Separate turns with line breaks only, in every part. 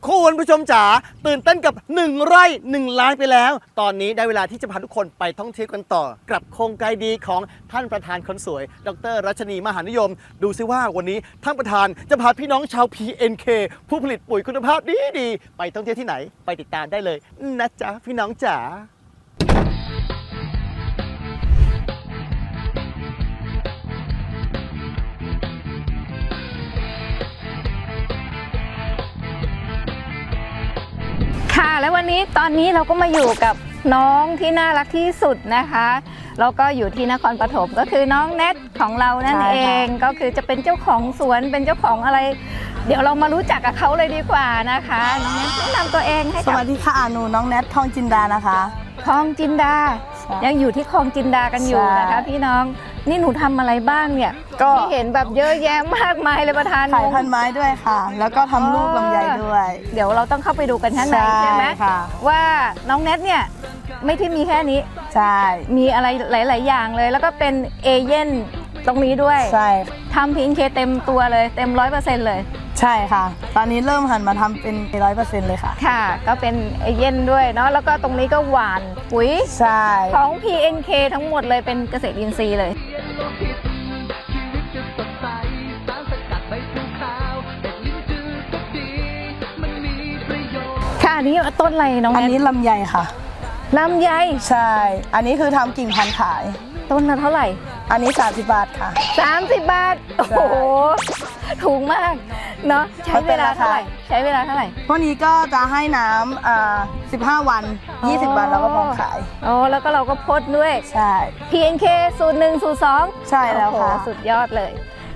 คุณผู้ชมจ๋าตื่นเต้นกับ1 ไร่ 1 ล้านไปแล้วตอนนี้ได้เวลาที่จะพาทุกคนไปท่องเที่ยวกันต่อกับโครงการดีของท่านประธานคนสวยดร.รัชนีมหานิยมดูซิว่าวันนี้ท่านประธานจะพาพี่น้องชาว PNK ผู้ผลิตปุ๋ยคุณภาพดีๆไปท่องเที่ยวที่ไหนไปติดตามได้เลยนะจ๊ะพี่น้องจ๋า
ค่ะและวันนี้ตอนนี้เราก็มาอยู่กับน้องที่น่ารักที่สุดนะคะแล้วก็อยู่ที่นครปฐมก็คือน้องแนทของเรานั่นเองก็คือจะเป็นเจ้าของสวนเป็นเจ้าของอะไรเดี๋ยวเรามารู้จักกับเขาเลยดีกว่านะคะน้องแนทแนะนำตัวเองให้กับ
สวัสดีค่ะหนูน้องแนททองจินดานะคะ
คลองจินดายังอยู่ที่คลองจินดากันอยู่นะคะพี่น้องนี่หนูทำอะไรบ้างเนี่ยก็เห็นแบบเยอะแยะมากมายเลยประธาน
ขายพันไม้ด้วยค่ะแล้วก็ทำลูกลำไยด้วย
เดี๋ยวเราต้องเข้าไปดูกันข้างในใช่ไหมว่าน้องแนทเนี่ยไม่ที่มีแค่นี้
ใช่
มีอะไรหลายๆอย่างเลยแล้วก็เป็นเอเย่นตรงนี้ด้วย
ใช่
ทำPNKเต็มตัวเลยเต็ม 100% เลย
ใช่ค่ะตอนนี้เริ่มหันมาทำเป็น 100% เลยค่ะ
ค่ะก็เป็นเอเย่นด้วยเนาะแล้วก็ตรงนี้ก็หวานปุ๋ย
ใช่
ของ PNK ทั้งหมดเลยเป็นเกษตรอินทรีย์เลยค่ะอันนี้ต้นอะไรน้อง
อันนี้ลำไยค่ะ
ลำไย
ใช่อันนี้คือทำกิ่งพันธุ์ขาย
ต้นละเท่าไหร่
อันนี้30 บาทค่ะ
30 บาทโอ้โหถูกมากเนาะใช้เวลาเท่าไหร่
พวกนี้ก็จะให้น้ำ15 วัน20 วันแล้วก็พร้อมขาย
อ๋อแล้วก็เราก็พดด้วย
ใช่
PNK สูตร 1 สูตร 2
ใช่แล้วค่ะ
สุดยอดเลย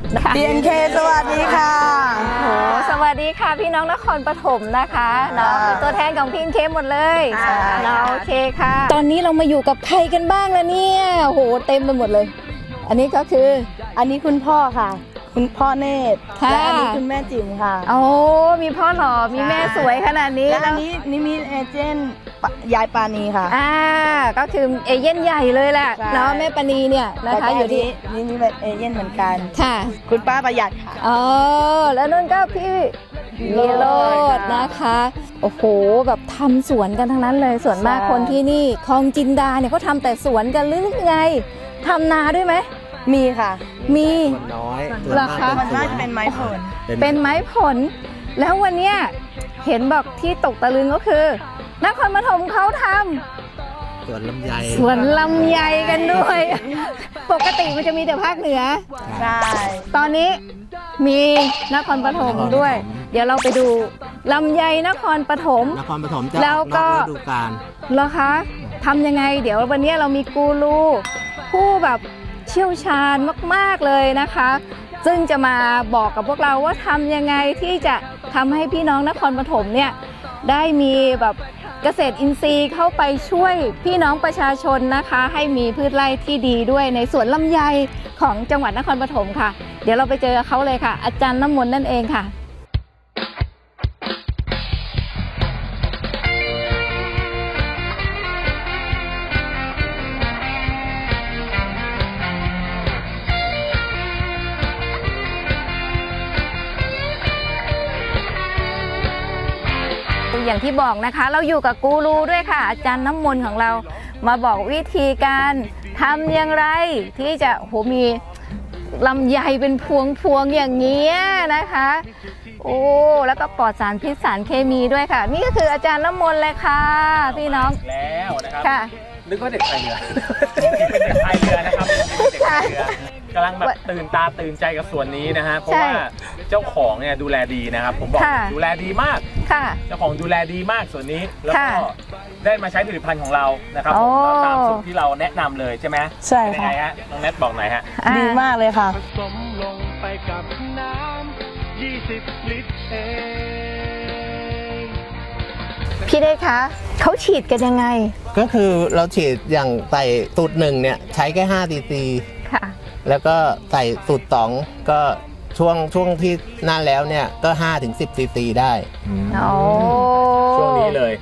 PNK สวัสดีค่ะ
โอ้สวัสดีค่ะพี่น้องนครปฐมนะคะเนาะเป็นตัวแทนของPNKหมดเลยเนาะโอเคค่ะตอนนี้เรามาอยู่กับใครกันบ้างแล้วเนี่ยโหเต็มไปหมดเลยอันนี้ก็คือ
อันนี้คุณพ่อค่ะคุณพ่อเนตรและอันนี้คุณแม่จิ๋มค่ะ
โอ้มีพ่อหล่อมีแม่สวยขนาดนี้
และอันนี้นี่มีเอเจนต์ยายปานีค่ะ
ก็คือเอเย่นใหญ่เลยแหละเนาะแม่ปานีเนี่ยนะคะอยู่ที่
นี่แบบเอเย่นเหมือนกัน
ค่ะ
คุณป้าประหยัดค่ะ
แล้วนั่นก็พี่วิโรจน์นะคะโอ้โหแบบทำสวนกันทั้งนั้นเลยส่วนมากคนที่นี่คลองจินดาเนี่ยเขาทำแต่สวนกันหรือไงทำนาด้วยไหม
มีค่ะ
มี
น้อย
ราคา
มันน่าจะเป็นไม้ผล
เป็นไม้ผลแล้ววันเนี้ยเห็นบอกที่ตกตะลึงก็คือนครปฐมเขาทำ
สวนลำไย
กันด้วยปกติมันจะมีแต่ภาคเหนือ
ใช่
ตอนนี้มีนครปฐมด้วยเดี๋ยวเราไปดูลำไยนครปฐม
จะแล้วก็ฤดูกาล
เหรอคะทำยังไงเดี๋ยววันนี้เรามีกูรูผู้แบบเชี่ยวชาญมากๆเลยนะคะซึ่งจะมาบอกกับพวกเราว่าทำยังไงที่จะทำให้พี่น้องนครปฐมเนี่ยได้มีแบบเกษตรอินทรีย์เข้าไปช่วยพี่น้องประชาชนนะคะให้มีพืชไร่ที่ดีด้วยในสวนลำไยของจังหวัดนครปฐมค่ะเดี๋ยวเราไปเจอเขาเลยค่ะอาจารย์น้ำมนต์นั่นเองค่ะอย่างที่บอกนะคะเราอยู่กับกูรูด้วยค่ะอาจารย์น้ำมนต์ของเรามาบอกวิธีการทำอย่างไรที่จะมีลำไยเป็นพวงอย่างเงี้ยนะคะโอ้แล้วก็ปลอดสารพิษสารเคมีด้วยค่ะนี่ก็คืออาจารย์น้ำมนต์เลยค่ะพี่น้อง
แล้วนะครับ
ค่ะ
นึกว่าเด็กพายเรือเป็นเด็กพายเรือนะครับเด็กพายเรือกำลังแบบตื่นตาตื่นใจกับส่วนนี้นะฮะเพราะว่าเจ้าของเนี่ยดูแลดีนะครับผมบอกดูแลดีมากเจ้าของดูแลดีมากส่วนนี้แล้วก็ได้มาใช้ผลิตภัณฑ์ของเรานะครับตามสูตรที่เราแนะนำเลยใช่ไหม
ใช่
ค่ะฮะน้องแนทบอกหน่อยฮะ
ดีมากเลยค่ะ
ผสมลงไปกับน้ำ20 ลิตรเอง
พี่เดชคะเขาฉีดกันยังไง
ก็คือเราฉีดอย่างใส่สูตร1เนี่ยใช้แค่5 cc
ค่ะ
แล้วก็ใส่สูตร2ก็ช่วงที่นั่นแล้วเนี่ยก็5 ถึง 10 cc ได้
โอ้
ช่วงนี้เลย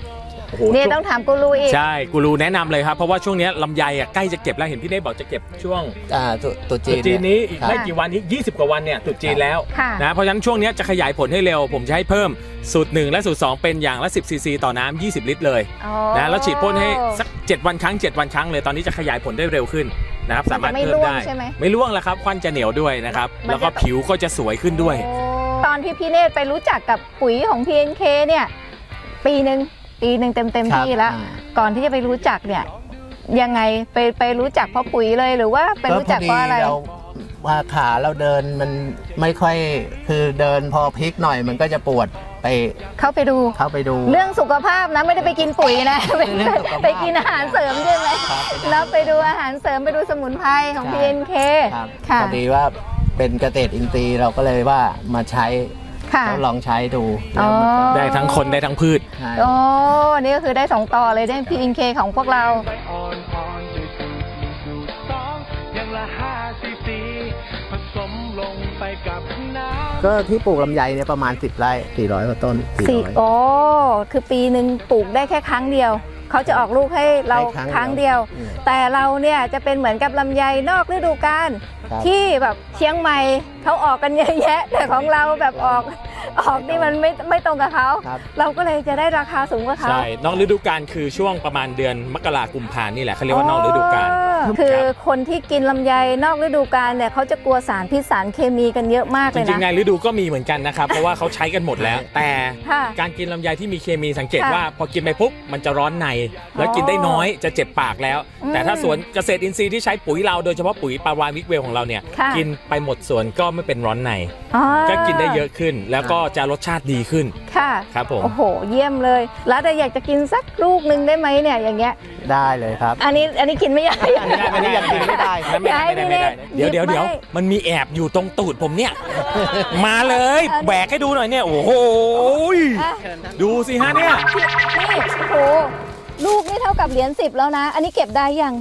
โอ้โห
นี่ต้องถามกูรูอีก
ใช่กูรูแนะนำเลยครับเพราะว่าช่วงนี้ลำไยอ่ะใกล้จะเก็บแล้วเห็นพี่เนธบอกจะเก็บช่วง
ตุษ
ตรุษจีนนี้อีก
ครับ
ไม่กี่วันนี้20 กว่าวันเนี่ยตรุษจีนแล้ว
ค่ะ
นะเพราะฉะนั้นช่วงนี้จะขยายผลให้เร็วผมจะให้เพิ่มสูตร1และสูตร2เป็นอย่างละ10 ซีซีต่อน้ำ20 ลิตรเลย
อ๋อ
นะแล้วฉีดพ่นให้สัก7 วันครั้ง7 วันครั้งเลยตอนนี้จะขยายผลได้เร็วขึ้นนะครับสามารถเพิ่มได้
มันจะไม่ร่วงใช่ไหม
ไม่ร่วงแล้วครับควันจะเหนียวด้วยนะครับ
มันจะ
แล้วก็ผิวก็จะสวยขึ้นด้วย
ตอนที่พี่เนตรไปรู้จักกับปุ๋ยของ PNK เนี่ยปีหนึ่งเต็ม
ครับ
ที่แล้ว ก่อนที่จะไปรู้จักเนี่ยยังไงไปรู้จักเพราะปุ๋ยเลยหรือว่าไปรู้จักเพราะอะไร
เราว่าขาเราเดินมันไม่ค่อยคือเดินพอพลิกหน่อยมันก็จะปวดไป
เข้าไปดู เรื่องสุขภาพนะไม่ได้ไปกินปุ๋ยนะ
เรื่องสุขภาพ
ไปกินอาหารเสริมใช่ไหม
ครับ
แล้วไปดูอาหารเสริมไปดูสมุนไพรของ
ใช่
PNK
ครับ
ค่ะ
พอดีว่าเป็นเกษตรอินทรีย์เราก็เลยว่ามาใช้
ค่ะ
ทดลองใช้ดู
อ๋อ
ได้ทั้งคนได้ทั้งพืช
ใช่
โอ้นี่ก็คือได้2ต่อเลยได้ PNK ของพวกเรา
อ่อนๆด้วยสูตร1สูตร2อย่างละ5 ซีซีผสมลงไปกับน้ำ
ก็ที่ปลูกลำไยเนี่ยประมาณ10 ไร่400 กว่าต้น 400
โอ้คือปีหนึ่งปลูกได้แค่ครั้งเดียว เขาจะออกลูกให้เรา
ให้
ครั้งเดียว
อืม
แต่เราเนี่ยจะเป็นเหมือนกับลำไยนอกฤดูกาล
ครับ
ที่แบบเชียงใหม่เขาออกกันเยอะแยะ แต่ของเราแบบออกนี่มันไม่ตรงกับเขา
ครับ
เราก็เลยจะได้ราคาสูงกว่าเขา
ใช่นอกฤดูกาลคือช่วงประมาณเดือนมกราคมกุมภานี่แหละเขาเรียกว่านอกฤดูกาล
คือ
ครับ
คนที่กินลำไยนอกฤดูกาลเนี่ยเขาจะกลัวสารพิษสารเคมีกันเยอะมาก
จ
เลย
ริงๆใน
นะ
ฤดูก็มีเหมือนกันนะครับ เพราะว่าเขาใช้กันหมดแล้ว แต่
ค่ะ
การกินลำไยที่มีเคมีสังเกต
ค่ะ
ว่าพอกินไปปุ๊บมันจะร้อนใน แล้วกินได้น้อยจะเจ็บปากแล้ว
อืม
แต่ถ้าสวนเกษตรอินทรีย์ที่ใช้ปุ๋ยเราโดยเฉพาะปุ๋ยปาวานวิกเวลของเราเนี่ย
ค่ะ
กินไปหมดสวนก็ไม่เป็นร้อนใน
อ๋อ
ก็กินได้เยอะขึ้น แล้วก็จะรสชาติดีขึ้น
ค่ะ
ครับผม
โอ้โห เยี่ยมเลย แล้วแต่อยากจะกินสักลูกหนึ่งได้ไหมเนี่ยอย่างเงี้ย
ได้เลยครับ
อันนี้กินไม่ได้
ไม่ได้ไม่ได้ไม่ได้ไม่ได้ไม่ได้เดี๋ยว
หยิบไม่
มันมีแอบอยู่ตรงตูดผมเนี่ย มาเลย
อันนี้
แบกให้ดูหน่อยเนี่ยโอ้โห
อ่ะ
ดูสิฮะเนี่ย
นี่โอ้โหลูกนี่เท่ากับเหรียญ10แล้วนะ อันนี้เก็บได้ยัง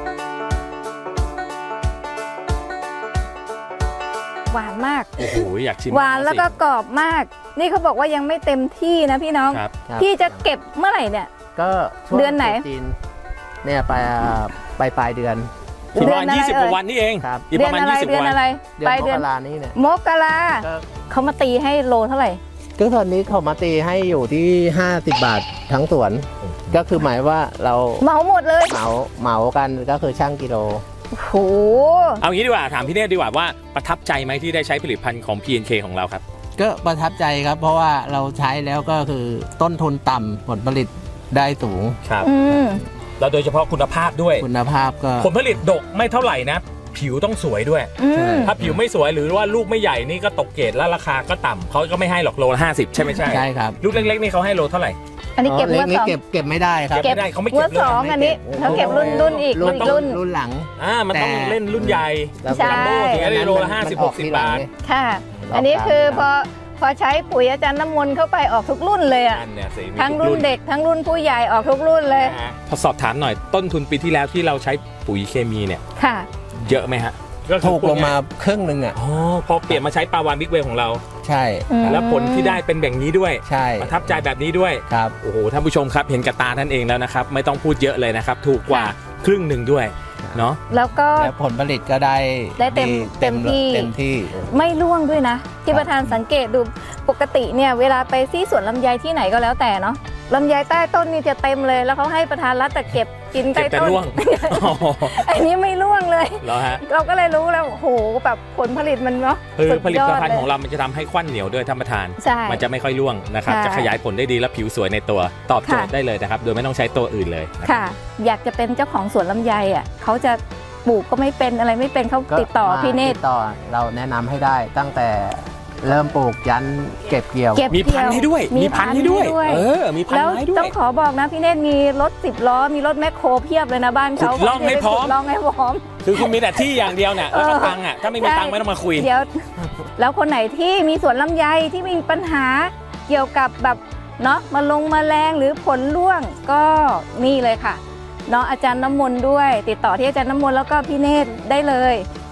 หวานมาก
โอ้โหอยากชิม
หวานแล้วก็กรอบมาก นี่เขาบอกว่ายังไม่เต็มที่นะพี่น้อง
ครับ
ครับ
พี่จะเก็บเมื่อไหร่เนี่ย
ก็ช่วง
เดือนไหน
ตรุษจีนเนี่ยปลายเดือน
อีกประมาณ
เดือนอะไร
20 กว่าวันนี่เอง
ครับ
อีก
เดื
ป
อน
ระมาณ
อะไร
20
เดือน
วัน
อะไร
เดือน
ปลาย
ม
เดือน
กรานี้เนี่ย
มกรา
ก็
เขามาตีให้โลเท่าไหร่
ก็ตอนนี้เขามาตีให้อยู่ที่50 บาททั้งสวน ก็คือหมายว่าเรา
เหมาหมดเลย
เหมากันก็คือช่างกิโล
โอ้โห
เอางี้ดีกว่าถามพี่เนตรดีกว่าว่าประทับใจไหมที่ได้ใช้ผลิตภัณฑ์ของ PNK ของเราครับ
ก็ประทับใจครับ เพราะว่าเราใช้แล้วก็คือต้นทุนต่ำผลผลิตได้สูง
ครับ
อืม
แล้วโดยเฉพาะคุณภาพด้วย
คุณภาพก็
ผลผลิตดกไม่เท่าไหร่นะ ผิวต้องสวยด้วย
อืม
ถ้าผิวไม่สวยหรือว่าลูกไม่ใหญ่นี่ก็ตกเกรดแล้วราคาก็ต่ำเขาก็ไม่ให้หรอกโลละ50 ใช่ไหมใช่
ใช่ครับ
ลูกเล็กๆนี่เขาให้โลเท่าไหร่
อันนี้เก็บ
ล็
งวด
นี่
สอง
เก็บไม่ได้ครับ
เก็บไม่ได้เขาไม่
ง
เก็
ว
บ
ด
เลย
สองอันนี้เขาเก็บรุ่นอีก
รุ่น
รุ่น
หลัง
มันต้อง
แต่
เล่นรุ่นใหญ่
แล้ว
ใช่
จัมโบ้ถึงจะได้โลละ
มัน
50
ออกที
60
หลั
บาง ท
เนี่ย
ค่ะ อันนี้คือพอใช้ปุ๋ยอาจารย์น้ำมนต์เข้าไปออกทุกรุ่นเลยอ่ะ
อันเนี่ยสิมี
ทั้ง
ทุก
รุ่นเด็กทั้งรุ่นผู้ใหญ่ออกทุกรุ่นเลย
นะฮะพอสอบถามหน่อยต้นทุนปีที่แล้วที่เราใช้ปุ๋ยเคมีเนี่ย
ค่ะ
เยอะไหมฮะ
ถูกลงมาครึ่งหนึ่งอ่ะ
อ๋อพอเปลี่ยนมาใช้ปาวานบิ๊กเวของเรา
ใช่
อืม
แล้วผลที่ได้เป็นแบบนี้ด้วย
ใช่
ประทับใจแบบนี้ด้วย
ครับ
โอ้โหท่านผู้ชมครับเห็นกับตาท่านเองแล้วนะครับ ไม่ต้องพูดเยอะเลยนะครับ ถูกกว่าครึ่งหนึ่งด้วยเนาะ
แล้วก็
แล้วผลผลิตก็ได้
ได้เต็ม
ดี
เต็มที่
เต็มที่
ไม่ร่วงด้วยนะที่ประธานสังเกตดูปกติเนี่ยเวลาไปที่สวนลำไยที่ไหนก็แล้วแต่เนาะลำไยใต้ต้นนี่จะเต็มเลย แล้วเขาให้ประธานรัตแต่เก็บกิน
เก็
ใต้
บแต่
ต้น
ร่วง อ๋อ
อันนี้ไม่ร่วงเลย
แล้วฮะ
เราก็เลยรู้แล้วโอ้โหแบบผลผลิตมันเนาะ
คือ
สุด
ผลิ
ย
ต
อด
ภัณฑ์
เลย
ของเรามันจะทำให้ควันเหนียวด้วยท่านประธาน
ใช่
มันจะไม่ค่อยร่วงนะครับ
ค่ะ
จะขยายผลได้ดีและผิวสวยในตัวตอบโจทย์
ค่ะ
ได้เลยนะครับโดยไม่ต้องใช้ตัวอื่นเลยนะครับ
ค่ะ อยากจะเป็นเจ้าของสวนลำไยอ่ะเขาจะปลูกก็ไม่เป็นอะไรไม่เป็นเขา
ก็
ติดต่อ
มา
พี่เนตร
ติดต่อเราแนะนำให้ได้ตั้งแต่เริ่มปลูกยันเก็บเกี่ยว
เก็บ
มีพันธุ์ให้ด้วย
มี
มีพันธุ์ให้ด้วย เออ มีพัน
แล้ว
ธุ์ให้ด้ว
ต้อย งขอบอกนะพี่เนตรมีรถ10 ล้อมีรถแมคโครเพียบเลยนะบ้านเขา
ขุดร่องให้พร้อม
ขุดร่องให้พร้อม
คือคุณมีแต่ที่อย่างเดียวเนี่ยแล้วก็
เออ
ตังค์อ่ะถ้าไม่มี
ใช่
ตังค์ไม่ต้องมาคุย
เดี๋ยว แล้วคนไหนที่มีสวนลำไยที่มีปัญหาเกี่ยวกับแบบเนาะแมลงหรือผลร่วงก็นี่เลยค่ะเนาะอาจารย์น้ำมนต์ด้วย ติดต่อที่อาจารย์น้ำมนต์แล้วก็พี่เนตรได้เลย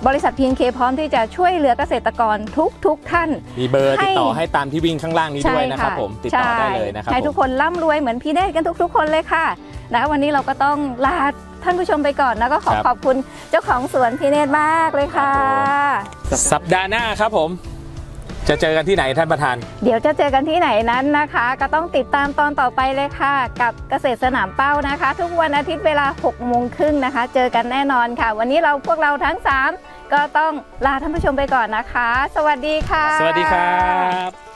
บริษัท PNK พร้อมที่จะช่วยเหลือเกษตรกรทุกท่าน
มีเบอร์ติดต่อให้ตามที่วิ่งข้างล่างนี้ด้วยนะครับผมติดต่อได้เลยนะครับ
ให้ทุกคนร่ำรวยเหมือนพี่เนตรกันทุกคนเลยค่ะนะวันนี้เราก็ต้องลาท่านผู้ชมไปก่อนนะก็ขอบคุณเจ้าของสวนพี่เนตรมากเลยค่ะ
สัปดาห์หน้าครับผมจะเจอกันที่ไหนท่านประธาน
เดี๋ยวจะเจอกันที่ไหนนั้นนะคะ ก็ต้องติดตามตอนต่อไปเลยค่ะ กับเกษตรสนามเป้านะคะ ทุกวันอาทิตย์เวลา 6:30 นนะคะ เจอกันแน่นอนค่ะ วันนี้พวกเราทั้ง 3 ก็ต้องลาท่านผู้ชมไปก่อนนะคะ สวัสดีค่ะ
สวัสดีครับ